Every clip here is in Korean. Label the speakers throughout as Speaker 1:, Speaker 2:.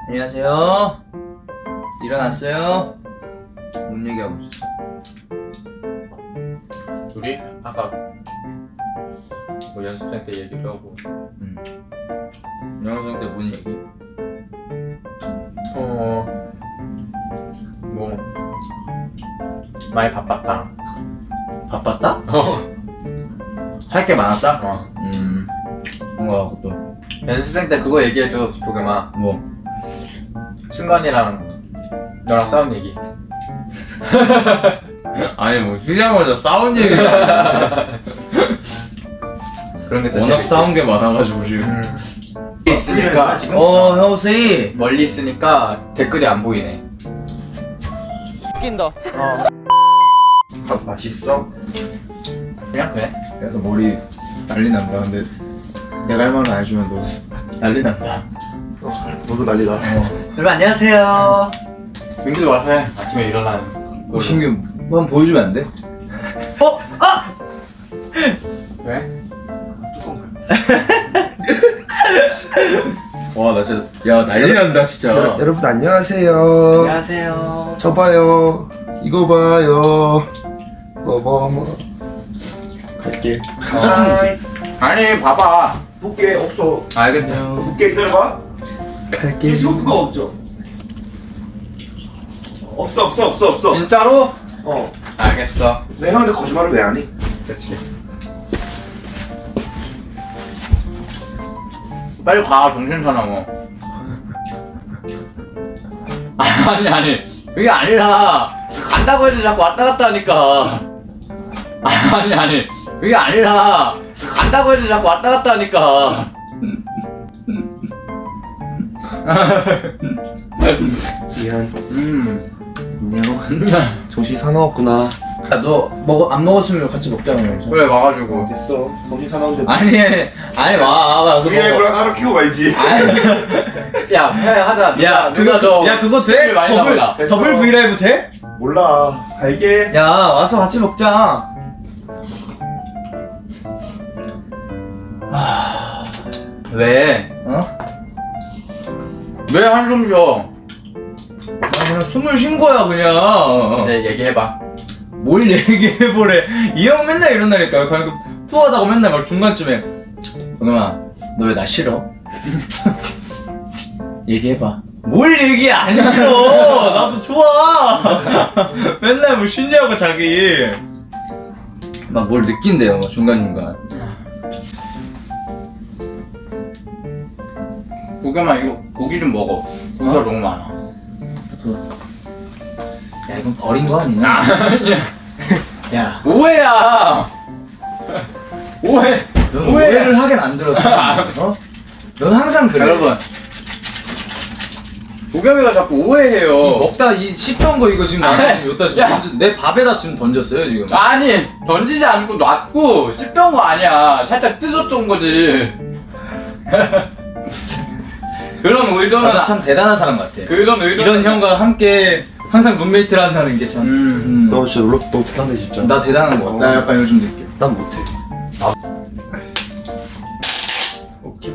Speaker 1: 안녕하세요. 일어났어요? 뭔 얘기하고 있어?
Speaker 2: 우리 아까 뭐 연습생 때 얘기도 하고.
Speaker 1: 영상 때 뭔 얘기?
Speaker 2: 뭐 많이 바빴다.
Speaker 1: 바빴다? 할 게 많았다? 뭔가 또
Speaker 2: 연습생 때 그거 얘기해줘, 조금아.
Speaker 1: 뭐?
Speaker 2: 승관이랑 너랑 싸운 얘기.
Speaker 1: 아니 뭐 쉬자마자 싸운 얘기가
Speaker 2: 그런 게더
Speaker 1: 워낙 싸운 게 많아가지고 지금
Speaker 2: 있으니까
Speaker 1: 형씨
Speaker 2: 멀리 있으니까 댓글이 안 보이네.
Speaker 1: 웃긴다.
Speaker 3: 밥 맛있어?
Speaker 2: 그냥 그래.
Speaker 1: 그래서 머리 난리 난다. 근데 내가 할 말은 안 해주면 너도 난리 난다.
Speaker 3: 너도 난리다.
Speaker 1: 여러분 안녕하세요.
Speaker 2: 민규도 와서 해. 아침에 일어나는 걸로.
Speaker 1: 신규 한번 보여주면 안 돼?
Speaker 2: 왜?
Speaker 1: 와 나 진짜 야 난리 난다 진짜.
Speaker 3: 여러분 안녕하세요.
Speaker 1: 안녕하세요.
Speaker 3: 저 봐요. 이거 봐요. 뭐 갈게. 감자탕이지.
Speaker 2: 아니 봐봐.
Speaker 3: 볼게 없어.
Speaker 2: 알겠어.
Speaker 3: 볼게 기다려봐.
Speaker 1: 갈게.
Speaker 3: 유튜브가 없죠. 없어.
Speaker 2: 진짜로?
Speaker 3: 어.
Speaker 2: 알겠어.
Speaker 3: 내 형한테 거짓말을 왜 안 해?
Speaker 2: 그렇지. 빨리 가, 정신사나워. 아니 그게 아니라 간다고 해도 자꾸 왔다 갔다 하니까. 아니 그게 아니라 간다고 해도 자꾸 왔다 갔다 하니까.
Speaker 3: 미안.
Speaker 2: 그냥
Speaker 3: 안녕. 정신이 사나웠구나.
Speaker 1: 야 너 안 먹었으면 같이 먹자고 그러면서.
Speaker 2: 그래 와가지고.
Speaker 3: 됐어. 정신 사나운데.
Speaker 1: 아니 와서
Speaker 3: 브이라이브랑 하루 키고 말지.
Speaker 2: 야 하자.
Speaker 1: 야 그거 돼?
Speaker 2: 많이 나오다.
Speaker 1: 더블 브이라이브 돼?
Speaker 3: 몰라. 갈게.
Speaker 1: 야 와서 같이 먹자.
Speaker 2: 왜?
Speaker 1: 어?
Speaker 2: 왜 한숨 쉬어?
Speaker 1: 그냥 숨을 쉰 거야 그냥.
Speaker 2: 이제 얘기해봐.
Speaker 1: 뭘 얘기해보래. 이 형 맨날 이런다니까. 그냥 푸하다고 맨날 막 중간쯤에 동겸아 너 왜 나 싫어? 얘기해봐. 뭘 얘기해. 안 싫어. 나도 좋아. 맨날 뭐 쉬냐고 자기. 막 뭘 느낀대요 막 중간중간.
Speaker 2: 구겸아 이거 고기 좀 먹어. 고기가 너무 많아.
Speaker 1: 야 이건 버린 거 아니야?
Speaker 2: 아니야.
Speaker 1: 야
Speaker 2: 오해야. 오해.
Speaker 1: 넌 오해를 하긴 안 들었어. 어? 넌 항상 그래.
Speaker 2: 여러분. 구겸이가 자꾸 오해해요.
Speaker 1: 먹다 이 씹던 거 이거 지금 나한테 여기다 지금
Speaker 2: 야.
Speaker 1: 내 밥에다 지금 던졌어요 지금.
Speaker 2: 아니 던지지 않고 놨고 씹던 거 아니야. 살짝 뜯었던 거지. 그런 의도는
Speaker 1: 나도 참 대단한 사람 같아.
Speaker 2: 그런 의도는
Speaker 1: 이런 형과 함께 항상 룸메이트를 한다는 게 참.
Speaker 3: 너 진짜 놀랍. 너 대단해 진짜.
Speaker 1: 나 대단한 거 같아. 나 약간 요즘 느껴.
Speaker 3: 난 못해. 오케이.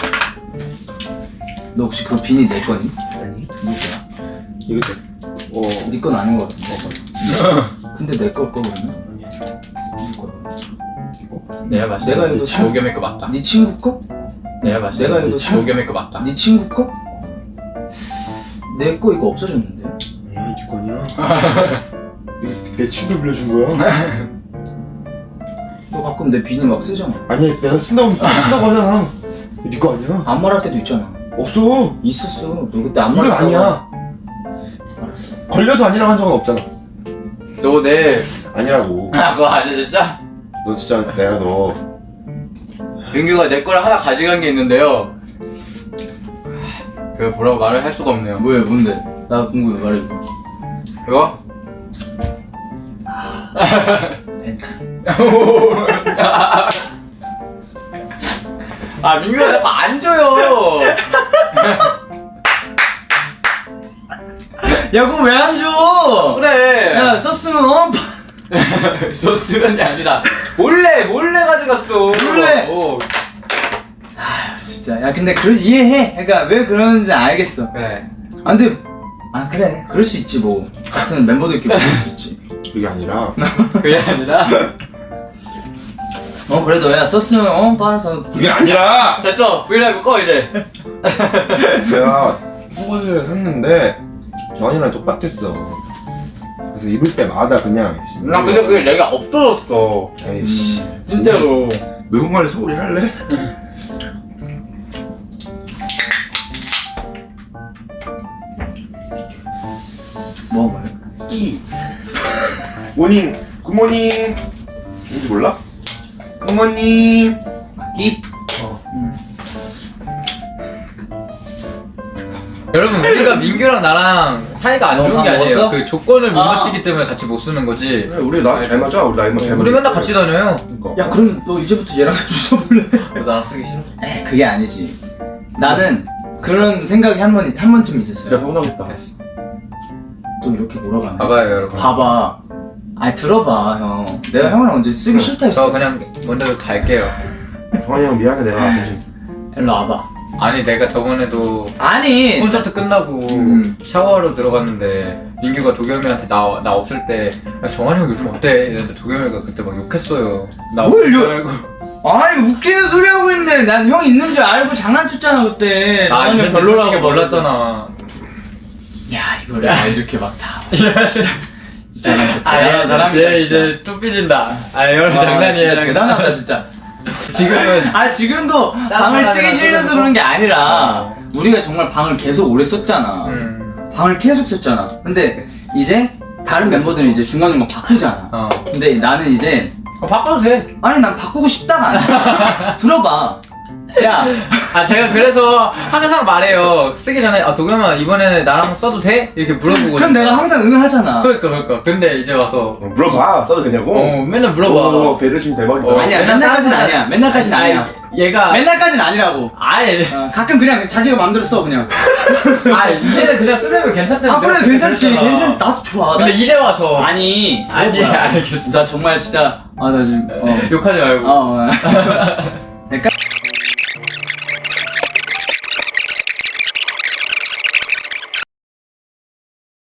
Speaker 1: 너 혹시 그 비니 내 거니?
Speaker 3: 아니.
Speaker 1: 누구야?
Speaker 3: 이거 돼.
Speaker 1: 네 건 아닌 거 같은데. 근데 내 걸 거거든요. 누구 거야?
Speaker 3: 이거.
Speaker 2: 내가 봤을 때
Speaker 1: 내가 이거 참-
Speaker 2: 조겸이 거 맞다.
Speaker 1: 네 친구 거?
Speaker 2: 내가 봤을 때
Speaker 1: 내가 이거 참-
Speaker 2: 조겸이 거 맞다.
Speaker 1: 네 친구 거? 내 거 이거 없어졌는데.
Speaker 3: 아니야, 이거 아니야. 이거 내 친구 빌려준 거야.
Speaker 1: 너 가끔 내 비니 막 쓰잖아.
Speaker 3: 아니야, 내가 쓴다고 하잖아. 이거 네 거 아니야.
Speaker 1: 안 말할 때도 있잖아.
Speaker 3: 없어.
Speaker 1: 있었어. 너 그때 안
Speaker 3: 이건
Speaker 1: 말했다고.
Speaker 3: 아니야.
Speaker 1: 알았어.
Speaker 3: 걸려서 아니라고 한 적은 없잖아.
Speaker 2: 너 내
Speaker 3: 아니라고.
Speaker 2: 그거 아니야 진짜?
Speaker 3: 너 진짜 내가 너.
Speaker 2: 민규가 내 걸 하나 가져간 게 있는데요. 그 뭐라고 말을 할 수가 없네요.
Speaker 1: 뭐야 뭔데? 나 궁금해 말해줘.
Speaker 2: 이거? 아 민규가 자꾸 안 줘요.
Speaker 1: 야 그거 왜 안 줘?
Speaker 2: 그래.
Speaker 1: 야 썼으면 어?
Speaker 2: 소스면이 아니라 몰래 가져갔어.
Speaker 1: 몰래?
Speaker 2: 어.
Speaker 1: 진짜. 야 근데 이해해. 그러니까 왜 그러는지 알겠어.
Speaker 2: 그래.
Speaker 1: 아 근데 그래. 그럴 수 있지 뭐. 같은 멤버들끼리 그럴 수 있지.
Speaker 3: 그게 아니라
Speaker 2: 그게 아니라.
Speaker 1: 그래도 야 썼으면 빨아서.
Speaker 3: 그게 아니라
Speaker 2: 됐어. 브이라이브 꺼 이제.
Speaker 3: 제가 속옷을 샀는데 전이랑 똑같았어. 그래서 입을 때마다 그냥
Speaker 2: 나 근데 그게 내가 없어졌어.
Speaker 3: 에이씨
Speaker 2: 진짜로.
Speaker 3: 외국말로 소리 할래?
Speaker 1: 뭐요?
Speaker 3: 끼 모닝 굿모닝 뭔지 몰라? 굿모닝
Speaker 1: 끼?
Speaker 2: 여러분 우리가 민규랑 나랑 사이가 안
Speaker 1: 너
Speaker 2: 좋은 게
Speaker 1: 밥
Speaker 2: 아니에요.
Speaker 1: 먹었어?
Speaker 2: 그 조건을 못
Speaker 1: 아.
Speaker 2: 맞추기 때문에 같이 못 쓰는 거지.
Speaker 3: 그래 우리 나이 잘 맞아 우리 나이만 잘 맞아
Speaker 2: 우리 맨날 같이 다녀요.
Speaker 3: 그러니까.
Speaker 1: 야 그럼 너 이제부터 얘랑 자주 써볼래?
Speaker 2: 너 나랑 쓰기 싫어?
Speaker 1: 에 그게 아니지. 나는 그런 생각이 한 번쯤
Speaker 3: 진짜
Speaker 1: 있었어요.
Speaker 3: 서운하겠다
Speaker 2: 됐어.
Speaker 1: 또 이렇게 몰아가네.
Speaker 2: 봐봐요 여러분.
Speaker 1: 봐봐. 아니 들어봐 형. 내가 형이랑 언제 쓰기 싫다 했어.
Speaker 2: 저 그냥 먼저 갈게요.
Speaker 3: 성환이 형 미안해 내가 대신
Speaker 1: 일로 와봐.
Speaker 2: 아니 내가 저번에도
Speaker 1: 아니.
Speaker 2: 콘서트 끝나고 샤워하러 들어갔는데 민규가 도겸이한테 나 없을 때 야, 정한이 형 요즘 어때? 이랬는데 도겸이가 그때 막 욕했어요. 나
Speaker 1: 뭘
Speaker 2: 없을
Speaker 1: 욕-
Speaker 2: 줄 알고.
Speaker 1: 아니 웃기는 소리 하고 있네. 난 형 있는 줄 알고 장난쳤잖아 그때.
Speaker 2: 나
Speaker 1: 형이
Speaker 2: 있는데 솔직히 몰랐잖아.
Speaker 1: 야 이거를 이렇게 막 다.
Speaker 2: 아,
Speaker 1: 사람이다,
Speaker 2: 얘 이제 또 삐진다. 아, 여러분
Speaker 1: 진짜
Speaker 2: 장난이에요.
Speaker 1: 대단하다 진짜.
Speaker 2: 지금은
Speaker 1: 지금도 방을 쓰기 싫어서 그런 게 아니라 우리가 정말 방을 계속 오래 썼잖아. 방을 계속 썼잖아. 근데 이제 다른 멤버들은 이제 중간중간 바꾸잖아. 근데 나는 이제
Speaker 2: 바꿔도 돼.
Speaker 1: 아니 난 바꾸고 싶다가 아니야. 들어봐. 야,
Speaker 2: 아 제가 그래서 항상 말해요. 쓰기 전에 아 도겸아 이번에는 나랑 써도 돼? 이렇게 물어보고.
Speaker 1: 그럼 내가 항상 응하잖아.
Speaker 2: 그러니까. 근데 이제 와서
Speaker 3: 물어봐 써도 되냐고?
Speaker 2: 맨날 물어봐.
Speaker 3: 배려심 대박이다
Speaker 1: 아니야 맨날까지는 아니야. 맨날까지는 아니야.
Speaker 2: 얘가
Speaker 1: 맨날까지는 아니라고.
Speaker 2: 아예
Speaker 1: 가끔 그냥 자기가 마음대로 써 그냥.
Speaker 2: 아 이제는 그냥 쓰려면 괜찮다는.
Speaker 1: 아 그래 괜찮지. 괜찮. 나도 좋아.
Speaker 2: 근데 이제 와서
Speaker 1: 아니.
Speaker 2: 아니
Speaker 1: 들어봐.
Speaker 2: 알겠어.
Speaker 1: 나 정말 진짜 나 지금
Speaker 2: 욕하지 말고.